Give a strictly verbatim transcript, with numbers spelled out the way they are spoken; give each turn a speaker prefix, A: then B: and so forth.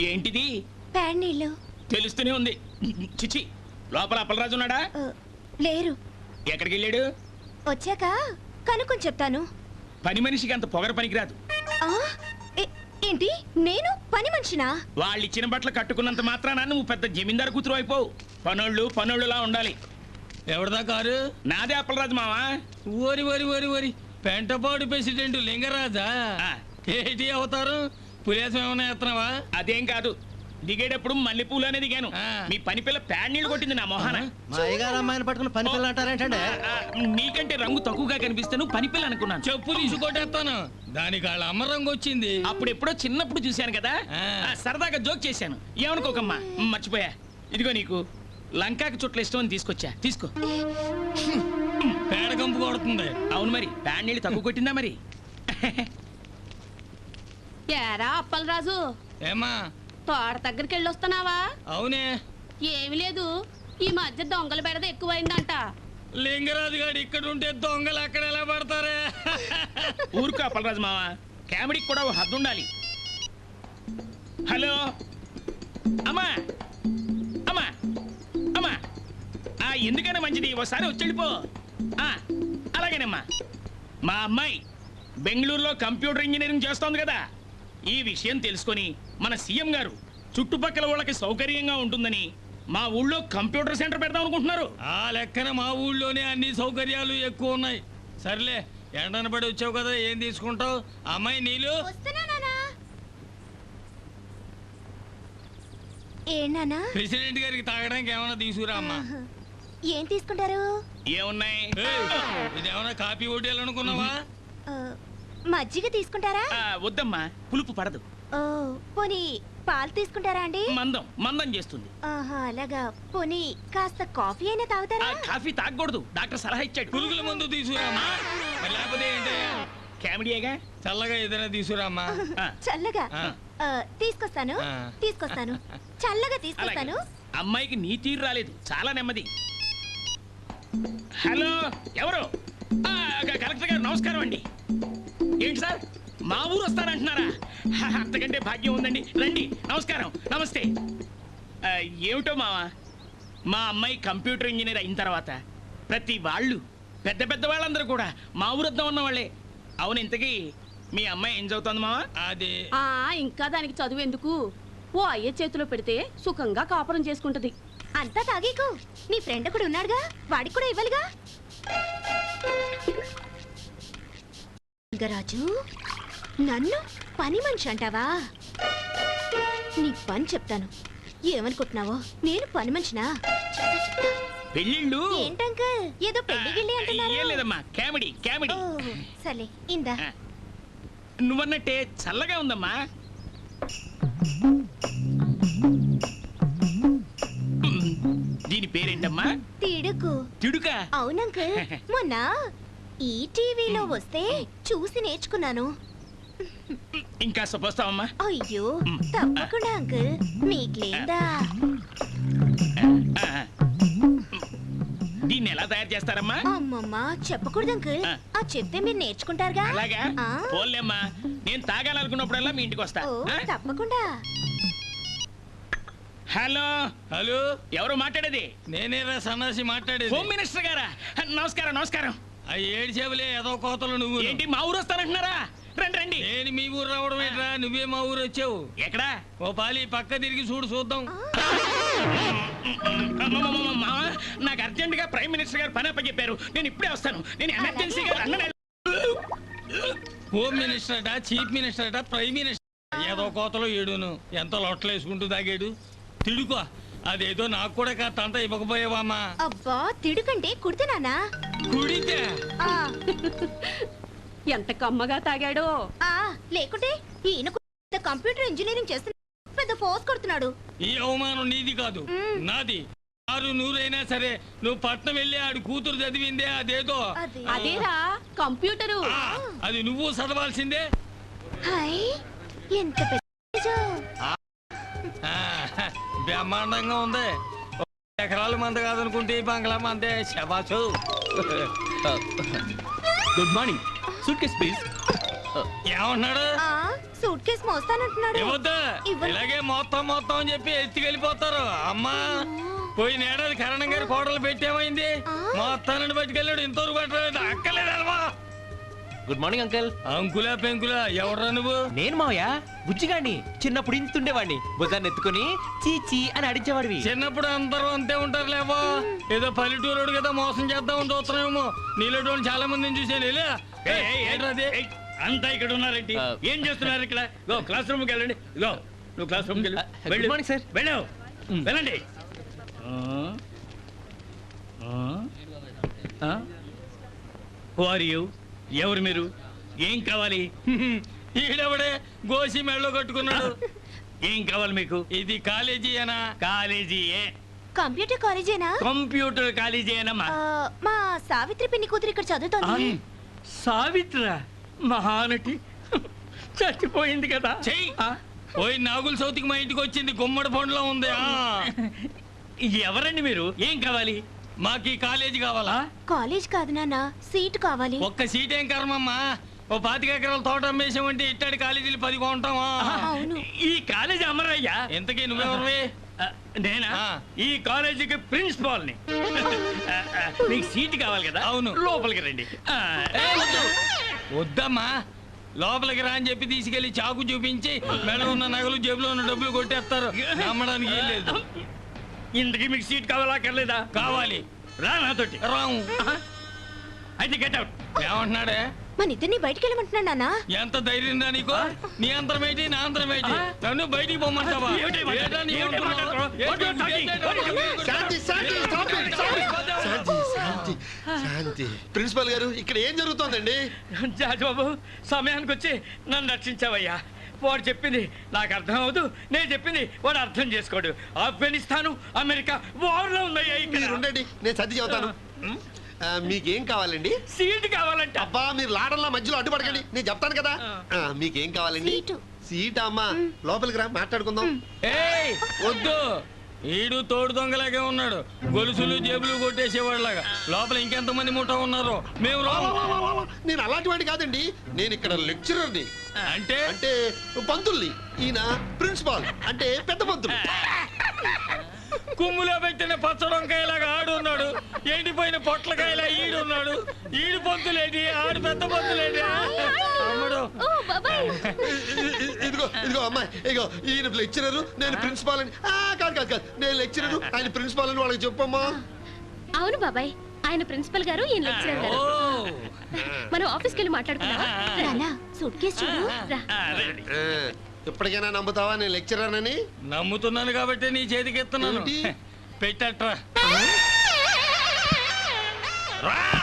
A: ఏంటిది?
B: ప్యాడ్ నీళ్ళు.
A: తెలుస్తూనే ఉంది. చిచి, లోపల అప్పలరాజు ఉన్నాడా?
B: లేరు.
A: ఎక్కడికి వెళ్ళాడు?
B: వచ్చాక కనుక్కొని చెప్తాను.
A: పని మనిషికి అంత పొగర పనికిరాదు.
B: ఏంటి, నేను పని మనిషినా?
A: వాళ్ళు ఇచ్చిన బట్టలు కట్టుకున్నంత మాత్రాన నువ్వు పెద్ద జమీందారు కూతురు అయిపోవు. పనోళ్ళు పనోళ్ళులా ఉండాలి.
C: ఎవరిదా కారు?
A: నాదే అప్పలరాజు మావా.
C: ఓరి ఓరి ఓరి ఓరి పెంటపాడు ప్రెసిడెంట్ లింగరాజా? ఏంటి అవుతారు? పులేసం ఏమైనా ఎత్తనావా?
A: అదేం కాదు, దిగేటప్పుడు మల్లెపూలు అనేది దిగాను. మీ పని పిల్ల ప్యాడ్ నీళ్ళు కొట్టింది నా మొహాన.
D: అమ్మాయిని పట్టుకుని పని పిల్ల అంటారేంటండి?
A: నీకంటే రంగు తక్కువగా కనిపిస్తే నువ్వు పని పిల్ల అనుకున్నాను.
C: చెప్పు తీసుకొట్టేస్తాను. దానికి వాళ్ళ అమ్మ రంగు వచ్చింది.
A: అప్పుడు ఎప్పుడో చిన్నప్పుడు చూశాను కదా, సరదాగా జోక్ చేశాను. ఏమనుకోకమ్మా, మర్చిపోయా. ఇదిగో నీకు లంకాకి చుట్ల ఇష్టం అని తీసుకొచ్చా, తీసుకో.
C: పేడ కంపు కొడుతుంది.
A: అవును మరి, ప్యాడ్ నీళ్ళు తక్కువ కొట్టిందా మరి?
E: ఏరా అప్పలరాజు,
C: ఏమా
E: తోట దగ్గరికి వెళ్ళొస్తున్నావా?
C: అవునే.
E: ఏమి లేదు, ఈ మధ్య దొంగల బెడద ఎక్కువైందంట.
C: లింగరాజు గారు ఇక్కడ ఉంటే దొంగలు అక్కడ ఎలా పడతారే?
A: ఊరుకో అప్పలరాజు మావా, కామెడీకి కూడా ఓ హద్దు ఉండాలి. హలో అమ్మా, అమ్మా, అమ్మా, ఎందుకైనా మంచిది ఒకసారి వచ్చి వెళ్ళిపో. అలాగేనమ్మా. మా అమ్మాయి బెంగళూరులో కంప్యూటర్ ఇంజనీరింగ్ చేస్తోంది కదా, ఈ విషయం తెలుసుకొని మన సీఎం గారు చుట్టుపక్కల వాళ్ళకి సౌకర్యంగా ఉంటుందని మా ఊళ్ళో కంప్యూటర్ సెంటర్ పెడదాం అనుకుంటున్నారు.
C: ఆ లెక్కన మా ఊళ్ళోనే అన్ని సౌకర్యాలు ఎక్కువ ఉన్నాయి. సర్లే, ఎండన పడి వచ్చావు కదా, ఏం తీసుకుంటావు? అమ్మాయి నీళ్ళు. ప్రెసిడెంట్ గారికి తాగడానికి ఏమైనా తీసుకురా అమ్మా.
B: ఏం తీసుకుంటారు?
A: ఏమున్నాయి?
C: ఇదేమన్నా కాఫీ వడ్డీలనుకున్నావా?
B: మజ్జిగ తీసుకుంటారా?
A: వద్దమ్మా, పులుపు పడదు.
B: పోనీ పాలు తీసుకుంటారా అండి?
A: మందం మందం చేస్తుంది.
B: అలాగా. పోనీ కాస్త కాఫీ అయినా తాగుతారా?
A: కాఫీ తాగకూడదు, డాక్టర్ సలహా ఇచ్చాడు.
C: పురుగుల మందు తీసుకురామ్మా. లేకపోతే ఏంటి,
A: కామెడీగా
C: చల్లగా ఏదైనా తీసుకురామ్మా.
B: చల్లగా తీసుకొస్తాను, తీసుకొస్తాను, చల్లగా తీసుకొస్తాను.
A: అమ్మాయికి నీ తీరు రాలేదు, చాలా నెమ్మది. హలో, ఎవరు? కలెక్టర్ గారు నమస్కారం అండి. ఏంటి సార్, మా ఊరు వస్తానంటున్నారా? అంతకంటే భాగ్యం ఉందండి, రండి. నమస్కారం, నమస్తే. ఏమిటో మావా, మా అమ్మాయి కంప్యూటర్ ఇంజనీర్ అయిన తర్వాత ప్రతి వాళ్ళు, పెద్ద పెద్ద వాళ్ళందరూ కూడా మా ఊరు వద్దాం ఉన్న వాళ్ళే. అవును, ఇంతకీ మీ అమ్మాయి ఏం చదువుతోంది మావా?
C: అదే
E: ఇంకా దానికి చదువు ఎందుకు, ఓ అయ్య చేతిలో పెడితే సుఖంగా కాపురం చేసుకుంటది.
B: అంతా తాగేకు, నీ ఫ్రెండ్ కూడా ఉన్నాడుగా, వాడికి కూడా ఇవ్వాలిగా. రాజు, నన్ను పని మనిషి అంటావా? నీ పని చెప్తాను. ఏమనుకుంటున్నావో, నేను పని మనిషినా?
A: పెళ్ళిళ్ళు
B: ఏంటంకల్, ఏదో పెళ్లి గిళ్ళి అంటున్నారు.
A: ఏం లేదమ్మా, కామెడీ కామెడీ.
B: సరే, ఇందా.
A: నువ్వన్నట్టే చల్లగా ఉందమ్మా. దీని పేరేంటమ్మా?
B: తిడుకు.
A: తిడుకా?
B: అవునంకల్, మొన్న ఈ టీవీలో వస్తే చూసి నేర్చుకున్నాను.
A: ఇంకా సపోస్తావమ్మా?
B: అయ్యో తప్పకుండా అంకుల్, మీకు లేదా?
A: దీన్ని ఎలా తయారు చేస్తారమ్మా?
B: అమ్మమ్మ చెప్పకూడదు అంకుల్, ఆ చెప్తే మీరు నేర్చుకుంటారుగా.
A: అలాగా, పోన్లేమ్మా, నేను తాగాలనుకున్నప్పుడల్లా మీ ఇంటికి వస్తా.
B: తప్పకుండా.
A: హలో
C: హలో,
A: ఎవరు మాట్లాడేది?
C: నేనేరా సన్నాసి మాట్లాడేది.
A: హోమ్ మినిస్టర్ గారా? నమస్కారం నమస్కారం.
C: ఆ ఏడు చెవులే ఏదో కోతలు. నువ్వు
A: ఏంటి మా ఊరు వస్తానంటున్నారా? రండి రండి.
C: నేను మీ ఊరు రావడం ఏంట్రా, నువ్వే మా ఊరు వచ్చావు.
A: ఎక్కడా?
C: ఓ పాలి పక్క తిరిగి చూడు, చూద్దాం.
A: నాకు అర్జెంట్ గా ప్రైమ్ మినిస్టర్ గారు పని అప్పచెప్పారు, నేను ఇప్పుడే వస్తాను. నేను ఎమర్జెన్సీగా
C: హోమ్ మినిస్టర్ అట, చీఫ్ మినిస్టర్ అట, ప్రైమ్ మినిస్టర్ ఏదో కోతలో ఏడును. ఎంత లొట్టలు వేసుకుంటూ తాగాడు. తిడుకో, అదేదో నాకు కూడా కాస్తంతా ఇవ్వకపోయావామా?
B: అబ్బా, తిడుకంటే కుడితేనా?
C: కుడితే
E: ఎంత కమ్మగా తాగాడో.
B: లేకుంటే ఈయన కంప్యూటర్ ఇంజనీరింగ్ చేస్తున్నా, పెద్ద ఫోర్స్ కొడుతున్నాడు.
C: ఈ అవమానం నీది కాదు, నాది. ఆరు నూరైనా సరే నువ్వు పట్నం వెళ్ళి ఆడు కూతురు చదివిందే అదేదో.
E: అదేరా కంప్యూటరు.
C: అది నువ్వు చదవాల్సిందే.
B: ఎంత
C: బ్రహ్మాండంగా ఉంది. ఎకరాల మంద కాదనుకుంటే బంగ్లా మందే. శబాసు.
A: Good morning. Suitcase please.
C: ఏమన్నాడు?
B: సూట్ కేసు మోస్తానంటున్నాడు.
C: ఇవ్వద్దు.
B: ఇవ్వను.
C: ఇలాగే మొత్తం మొత్తం అని చెప్పి ఎత్తుకెళ్ళిపోతారు. అమ్మా పోయిన ఏడాది కరణం గారి కోడలు పెట్టేమైంది?
B: ఆ.
C: మొత్తాన్ని పట్టుకెళ్ళాడు. ఇంతవరకు పట్టలేదు. అక్కలేదమ్మా.
F: Good morning uncle.
C: అంకులా పెంకులా ఎవడ్రా నువ్వు?
F: నేను మావయ్య బుజ్జిగాడిని. చిన్నప్పుడు ఇంతుండేవాడిని. భుజాన్ని ఎత్తుకుని చీచి అని అడిచేవాడివి.
C: చిన్నప్పుడు అందరూ అంతే ఉంటారు లేవో. ఏదో పల్లెటూరుడు కదా మోసం చేద్దామని చూస్తున్నామేమో. నీళ్ళ చాలా మందిని చూసాను. వెళ్ళా.
A: ఏయ్, ఏయ్,
C: ఏంట్రా అది?
A: ఏయ్, అంతా ఇక్కడ ఉన్నారేంటి?
F: ఆ.
A: ఏం చేస్తున్నారు ఇక్కడ? గో క్లాస్ రూమ్కి వెళ్ళండి. గో నువ్వు క్లాస్ రూమ్కి వెళ్ళు.
F: ఆ, గుడ్
A: వెళ్ళు.
F: Morning, sir.
A: వెళ్ళు వెళ్ళండి. Are you? ఎవరు మీరు? ఏం కావాలి?
C: ఈడెవడే గోసి మెళ్ళో కట్టుకున్నాడు.
A: ఏం కావాలి మీకు?
C: ఇది కాలేజీ అనా?
A: కాలేజీయే.
B: కంప్యూటర్ కాలేజేనా?
A: కంప్యూటర్ కాలేజీ ఏనమ్మా.
B: ఆ, మా సావిత్రి పిన్ని కూతురు ఇక్కడ చదువుతోంది.
A: సావిత్ర మహానటి చచ్చిపోయింది కదా.
C: చెయ్యి.
A: ఆ?
C: పోయి నాగుల సౌతికి మా ఇంటికి వచ్చింది. గుమ్మడి పండులో ఉంది. ఆ.
A: ఎవరండి మీరు? ఏం కావాలి?
C: మాకు ఈ కాలేజీ కావాలా?
B: కాలేజ్ కాదు నాన్న, సీట్ కావాలి.
C: ఒక్క సీట్ ఏం కర్మమ్మా. ఓ పాతిక ఎకరాల తోట అమ్మేసామంటే ఇట్టాడి కాలేజీలు పది కొంటామా?
B: అవును.
A: ఈ కాలేజీ అమరయ్యా.
C: ఇంతకీ నువ్వెవరివి?
A: ఆ, నేనా?
C: ఆ.
A: ఈ కాలేజీకి ప్రిన్సిపాల్ ని. ఆ, ఆ, మీకు సీట్ కావాలి కదా?
C: అవును.
A: లోపలికి రండి. ఆ,
C: ఏ, వద్దు. వద్దమ్మా. లోపలికి రా అని చెప్పి తీసుకెళ్లి చాకు చూపించి మెడలో ఉన్న నగలు జేబులో ఉన్న డబ్బులు కొట్టేస్తారు. నమ్మడానికి ఏం లేదు.
A: ఇంతకీ మీకు సీట్ కావాలా అక్కర్లేదా?
C: కావాలి.
A: రా నాతోటి.
C: రాము.
A: అయితే గెట్ అవుట్.
C: ఏమంటున్నాడే?
B: మన ఇద్దరిని బయటికి వెళ్ళమంటున్నాడు నాన్న.
C: ఎంత ధైర్యం రా నీకు? నీ అంతరం ఏంటి, నా అంతరం ఏంటి? నన్ను బయటికి పొమ్మంటావా?
A: ఏమిటి మాట?
C: ఏంటా నీ
A: ఏమిటి
C: ఉంటున్నావు?
A: మాట?
C: ఏంటి?
A: What you are talking? What you are-
G: శాంతి శాంతి stop it, stop it. శాంతి శాంతి శాంతి ప్రిన్సిపల్ గారు ఇక్కడ ఏం జరుగుతోందండి?
A: జాజు బాబు సమయానికి వచ్చి నన్ను రక్షించావయ్యా. వాడు చెప్పింది నాకు అర్థం అవదు, నేను చెప్పింది వాడు అర్థం చేసుకోడు. ఆఫ్ఘనిస్తాను అమెరికా వార్లో ఉందయ్యా.
G: మీరు
A: ఇక్కడ
G: ఉండండి, నేను సర్ది చెబుతాను. ఆ, మీకేం కావాలండి?
A: సీట్ కావాలంట.
G: అబ్బా మీరు లాడల్లా మధ్యలో అడ్డుపడకండి, నేను చెప్తాను కదా. ఆ, మీకేం కావాలండి?
B: సీటు.
G: సీట్ అమ్మా, లోపలికి రా మాట్లాడుకుందాం.
C: ఏయ్ వద్దు. ఈడు తోడు దొంగలాగే ఉన్నాడు. గొలుసులు జేబులు కొట్టేసేవాళ్ళగా. లోపల ఇంకెంతమంది ముఠా ఉన్నారు. మేము
G: వా,
C: రాము.
G: వా, వా, వా, వా. నేను అలాంటి వాడిని కాదండి, నేను ఇక్కడ లెక్చరర్ని.
C: అంటే
G: అంటే పంతుల్ని. ఈయన ప్రిన్సిపాల్ అంటే పెద్ద పంతులు.
C: కుమ్ములో పెట్టిన పచ్చడొంకాయలాగా ఆడు ఉన్నాడు. ఎండిపోయిన పొట్లకాయలా ఈడు ఉన్నాడు. ఈడు పొంతులేటి, ఆడు పెద్ద పొంతులేటి. అమ్మడు.
B: ఓ బాబాయ్.
G: ఇ- ఇ- ఇదిగో ఇదిగో అమ్మాయి, ఇదిగో ఈయన లెక్చరర్, నేను ప్రిన్సిపాల్ అని. ఆ, కాదు కాదు కాదు, నేను లెక్చరర్, ఆయన ప్రిన్సిపాల్ అని వాళ్ళకి చెప్పమ్మా.
H: అవును బాబాయ్, ఆయన ప్రిన్సిపల్ గారు ఈయన లెక్చరర్ గారు.
C: ఓ.
H: మనం ఆఫీస్కి వెళ్ళి మాట్లాడుకుందామా?
B: నాన్న సూట్ కేసు చూడు.
H: రా.
A: ఆ, రండి.
G: ఆ, ఇప్పటికైనా నమ్ముతావా నేను లెక్చరర్ అని?
C: నమ్ముతున్నాను కాబట్టి నీ చేతికి ఎత్తున్నాను.
G: ఏంటి?
C: పెట్టట్రా.
A: రా.